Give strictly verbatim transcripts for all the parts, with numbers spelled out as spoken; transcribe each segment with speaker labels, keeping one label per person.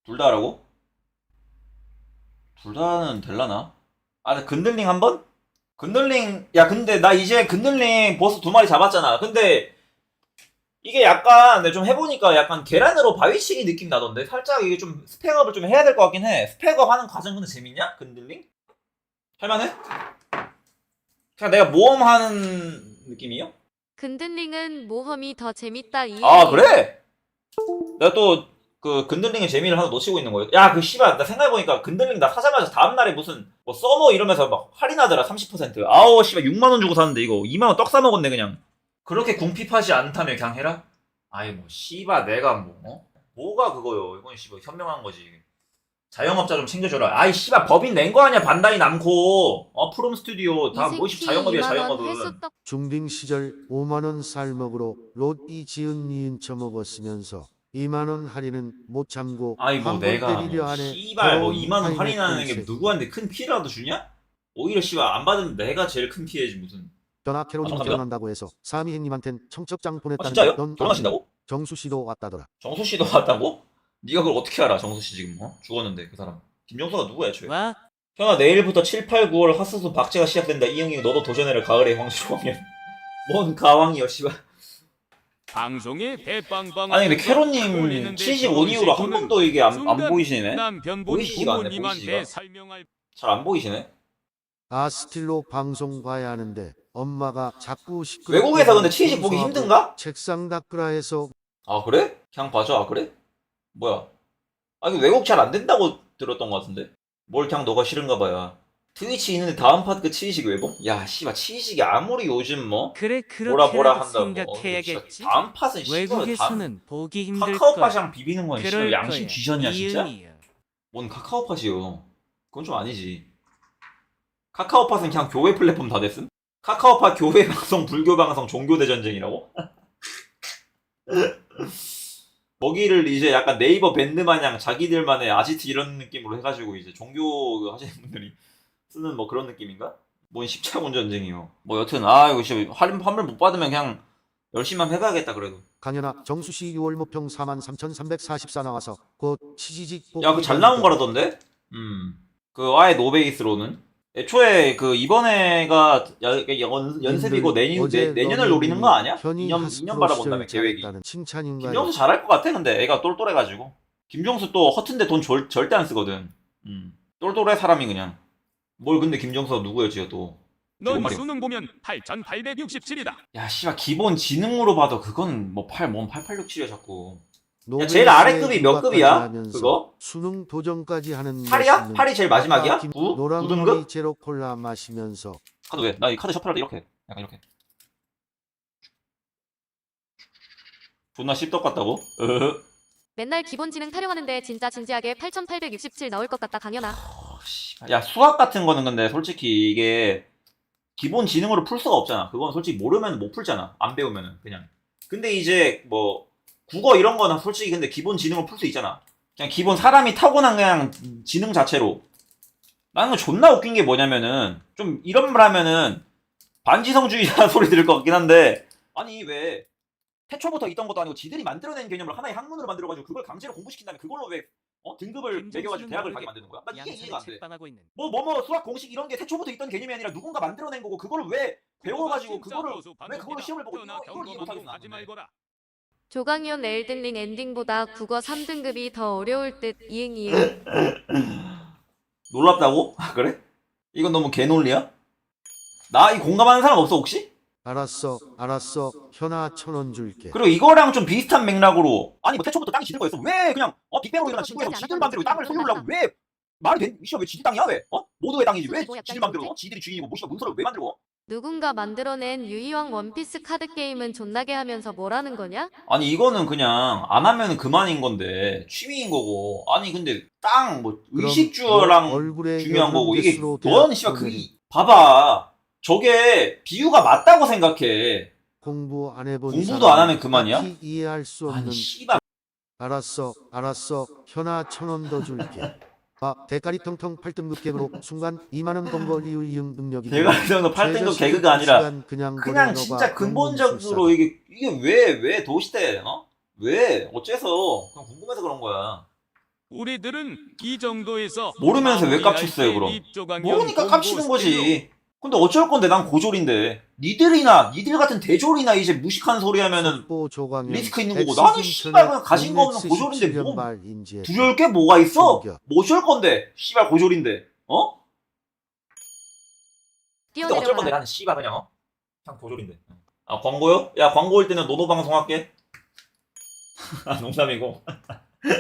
Speaker 1: 둘 다 하라고? 둘 다는 될라나? 아, 근데 근들링 한 번? 근들링, 야, 근데 나 이제 근들링 보스 두 마리 잡았잖아. 근데 이게 약간, 내가 좀 해보니까 약간 계란으로 바위치기 느낌 나던데? 살짝 이게 좀 스펙업을 좀 해야 될 것 같긴 해. 스펙업 하는 과정 근데 재밌냐? 근들링? 할만해? 그냥 내가 모험하는 느낌이요?
Speaker 2: 근들링은 모험이 더 재밌다
Speaker 1: 아,
Speaker 2: 이응이응.
Speaker 1: 그래? 내가 또 그 근들링의 재미를 하나 놓치고 있는 거예요. 야, 그 씨발, 나 생각해보니까 근들링 나 사자마자 다음날에 무슨 뭐 서머 이러면서 막 할인하더라, 삼십 퍼센트. 아우, 씨발, 육만 원 주고 샀는데 이거 이만 원 떡 싸먹었네, 그냥. 그렇게 궁핍하지 않다며 그냥 해라? 아이, 뭐, 씨발, 내가 뭐, 어? 뭐가 그거요. 이건 씨발, 현명한 거지. 자영업자 좀 챙겨줘라. 아이, 씨발, 법인 낸 거 아니야, 반다이 남코. 어, 프롬 스튜디오. 다 뭐, 씨,
Speaker 2: 이생키
Speaker 1: 자영업이야,
Speaker 2: 이만 원
Speaker 1: 자영업은.
Speaker 2: 회수떡.
Speaker 3: 중딩 시절 오만 원 쌀먹으로 롯이 지은 니은 처먹었으면서 이만 원 할인은 못 참고
Speaker 1: 아이, 뭐,
Speaker 3: 한 번
Speaker 1: 내가
Speaker 3: 때리려
Speaker 1: 뭐,
Speaker 3: 하네.
Speaker 1: 씨발, 뭐,
Speaker 3: 더러운
Speaker 1: 이만 원
Speaker 3: 타인의
Speaker 1: 할인하는 게
Speaker 3: 꼴새끼.
Speaker 1: 누구한테 큰 피해라도 주냐? 오히려 씨발, 안 받으면 내가 제일 큰 피해지, 무슨.
Speaker 3: 전화
Speaker 1: 아,
Speaker 3: 캐롤님
Speaker 1: 감사합니다.
Speaker 3: 결혼한다고 해서 사미행님한텐 청첩장
Speaker 1: 아,
Speaker 3: 보냈다는데
Speaker 1: 진짜요?
Speaker 3: 넌
Speaker 1: 결혼하신다고?
Speaker 3: 정수 씨도 왔다더라.
Speaker 1: 정수 씨도 왔다고? 네가 그걸 어떻게 알아, 정수 씨 지금, 어? 죽었는데, 그 사람. 김정수가 누구야, 애초에?
Speaker 2: 와.
Speaker 1: 현아, 내일부터 칠, 팔, 구월 핫수수 박제가 시작된다. 이형이 너도 도전해라, 가을의 황실왕년. 뭔 가왕이여, 씨발.
Speaker 4: 방송에 대빵빵
Speaker 1: 아니, 근데 캐로님 칠십오 이후로 한 번도 이게 안, 안 보이시네?
Speaker 4: 남편분
Speaker 1: 보이시지가 않네,
Speaker 4: 부모님한테
Speaker 1: 보이시지가.
Speaker 4: 설명할
Speaker 1: 잘 안 보이시네?
Speaker 3: 아스틸로 방송 봐야 하는데 엄마가 자꾸 시끄럽게
Speaker 1: 외국에서 근데
Speaker 3: 하고
Speaker 1: 치즈 보기
Speaker 3: 청소하고
Speaker 1: 힘든가?
Speaker 3: 책상 닦으라 해서
Speaker 1: 아, 그래? 그냥 봐줘. 아, 그래? 뭐야? 아, 이거 외국 잘 안 된다고 들었던 것 같은데? 뭘 그냥 너가 싫은가 봐야. 트위치 있는데 다음 파트 치이식 왜 봄? 야, 씨발, 치이식이 아무리 요즘 뭐
Speaker 5: 그래
Speaker 1: 뭐라 뭐라
Speaker 5: 그렇게라도
Speaker 1: 한다고. 어,
Speaker 5: 생각해야겠지.
Speaker 1: 진짜 다음 팟은 씨발 다음
Speaker 5: 외국에서는 보기 힘들
Speaker 1: 카카오
Speaker 5: 거야.
Speaker 1: 팟이랑 비비는 건 씨발
Speaker 5: 그럴
Speaker 1: 양심
Speaker 5: 거야.
Speaker 1: 쥐전이야 진짜?
Speaker 5: 이응이응.
Speaker 1: 뭔 카카오 팟이요? 그건 좀 아니지. 카카오 팟은 그냥 교회 플랫폼 다 됐음? 카카오 팟 교회 방송, 불교 방송, 종교 대전쟁이라고? 거기를 이제 약간 네이버 밴드 마냥 자기들만의 아지트 이런 느낌으로 해가지고 이제 종교 하시는 분들이 쓰는 뭐 그런 느낌인가? 뭔 십자군 전쟁이요. 뭐 여튼 아 이거 진짜 할인 판매 못 받으면 그냥 열심히 한번 해봐야겠다 그래도.
Speaker 3: 강연아 정수 씨 유월 모평 사만 삼천삼백사십사 나와서 곧 치지직
Speaker 1: 야, 그 잘 나온 거라던데? 음. 그 아예 노베이스로는 애초에 그 이번에가 야- 연, 연습이고 내년 내, 내년을 노리는 거 아니야? 이 년 이 년 바라본다며 계획이.
Speaker 3: 칭찬인가요?
Speaker 1: 김정수 잘할 것 같아 근데 애가 똘똘해가지고. 김정수 또 허튼데 돈 절, 절대 안 쓰거든. 음. 똘똘해 사람이 그냥. 뭘 근데 김정수가 누구였지요 또.
Speaker 4: 넌
Speaker 1: 말이야.
Speaker 4: 수능 보면 팔천팔백육십칠이다.
Speaker 1: 야 씨발 기본 지능으로 봐도 그건 뭐 팔, 뭔 팔팔육칠이야 자꾸. 야,
Speaker 3: 노벨
Speaker 1: 제일 아래 급이 몇
Speaker 3: 유학까지
Speaker 1: 급이야?
Speaker 3: 하면서
Speaker 1: 그거?
Speaker 3: 수능 도전까지 하는
Speaker 1: 팔이야?
Speaker 3: 멋있는
Speaker 1: 팔이 제일 마지막이야?
Speaker 3: 아빠 김-
Speaker 1: 구?
Speaker 3: 노란
Speaker 1: 구 등급?
Speaker 3: 머리 제로 콜라 마시면서
Speaker 1: 카드 왜? 나 이 카드 셔플할 때 이렇게 약간 이렇게 존나 씹덕 같다고? 으흐.
Speaker 2: 맨날 기본지능 타령하는데 진짜 진지하게 팔천팔백육십칠 나올 것 같다 강연아.
Speaker 1: 어, 씨발. 야 수학 같은 거는 근데 솔직히 이게 기본 지능으로 풀 수가 없잖아. 그건 솔직히 모르면 못 풀잖아. 안 배우면은 그냥. 근데 이제 뭐 국어 이런 거는 솔직히 근데 기본 지능으로 풀 수 있잖아. 그냥 기본 사람이 타고난 그냥 지능 자체로. 나는 거 존나 웃긴 게 뭐냐면은 좀 이런 말 하면은 반지성주의자 소리 들을 것 같긴 한데 아니 왜 태초부터 있던 것도 아니고 지들이 만들어낸 개념을 하나의 학문으로 만들어가지고 그걸 강제로 공부시킨 다음에 그걸로 왜 어? 등급을 매겨가지고 대학을 가게 만드는 거야? 난 이게 이해가 안 돼.
Speaker 5: 책방하고 있는.
Speaker 1: 뭐 뭐뭐 수학 공식 이런 게 태초부터 있던 개념이 아니라 누군가 만들어낸 거고 그거를 왜 배워가지고 그거를 왜 그걸로 시험을 보고 이거 이걸 이해 못하겠어
Speaker 4: 하지
Speaker 1: 나는.
Speaker 4: 말거라.
Speaker 2: 조강현 엘든링 엔딩보다 국어 삼 등급이 더 어려울 듯 이응이응.
Speaker 1: 놀랍다고? 아 그래? 이건 너무 개논리야? 나 이 공감하는 사람 없어 혹시?
Speaker 3: 알았어 알았어 현아 천 원 줄게.
Speaker 1: 그리고 이거랑 좀 비슷한 맥락으로 아니 뭐 태초부터 땅이 지들 거였어 왜 그냥 어 빅뱅으로 일어난 지구에서 지들 맘대로 땅을 소유하려고 왜 말이 돼? 이씨야 왜 지들 땅이야 왜? 어? 모두의 땅이지 왜 지들 맘대로 어? 지들이 주인이고 뭐씨야 문서를 왜 만들고?
Speaker 2: 누군가 만들어낸 유이왕 원피스 카드 게임은 존나게 하면서 뭐라는 거냐?
Speaker 1: 아니 이거는 그냥 안 하면 그만인 건데 취미인 거고 아니 근데 땅 뭐
Speaker 3: 그럼
Speaker 1: 의식주랑
Speaker 3: 너 얼굴에
Speaker 1: 중요한
Speaker 3: 여드름
Speaker 1: 거고 이게
Speaker 3: 개수로
Speaker 1: 넌
Speaker 3: 대학
Speaker 1: 씨발 그
Speaker 3: 보내리.
Speaker 1: 이- 봐봐 저게 비유가 맞다고 생각해
Speaker 3: 공부 안 해본
Speaker 1: 공부도 안 하면 그만이야?
Speaker 3: 딱히 이해할 수 없는.
Speaker 1: 아니 씨발
Speaker 3: 알았어 알았어 현아 천 원 더 줄게. 아 대가리 텅텅 팔 등급 개그로 순간 이만 원 번 거 리우 이응 능력이.
Speaker 1: 대가리 정도 팔 등급 개그가 아니라
Speaker 3: 그냥,
Speaker 1: 그냥 진짜 근본적으로 이게 이게 왜 왜 도시대 어? 왜 어째서 그냥 궁금해서 그런 거야.
Speaker 4: 우리들은 이 정도에서
Speaker 1: 모르면서 왜
Speaker 4: 마무리할
Speaker 1: 깝쳤어요,
Speaker 4: 때
Speaker 1: 그럼?
Speaker 4: 립조강연
Speaker 1: 모르니까
Speaker 4: 공고
Speaker 1: 깝치는
Speaker 4: 스킬로
Speaker 1: 거지. 근데 어쩔 건데 난 고졸인데. 니들이나 니들 같은 대졸이나 이제 무식한 소리 하면은
Speaker 3: 보 조광현
Speaker 1: 리스크 있는 거고 나는 씨발 그냥 가진 거 없는 고졸인데 뭐 두려울 게 뭐가 있어?
Speaker 3: 충격.
Speaker 1: 뭐 어쩔 건데 씨발 고졸인데 어? 근데 어쩔 건데
Speaker 2: 뛰어내려가라.
Speaker 1: 나는 씨발 그냥 어? 그냥 고졸인데. 아 광고요? 야 광고 올 때는 노노 방송 할게. 아 농담이고.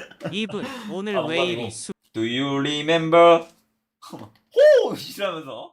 Speaker 5: 이분 오늘
Speaker 1: 아,
Speaker 5: 왜
Speaker 1: 농담이고.
Speaker 5: 이리 수
Speaker 1: Do you remember? 호! 이러면서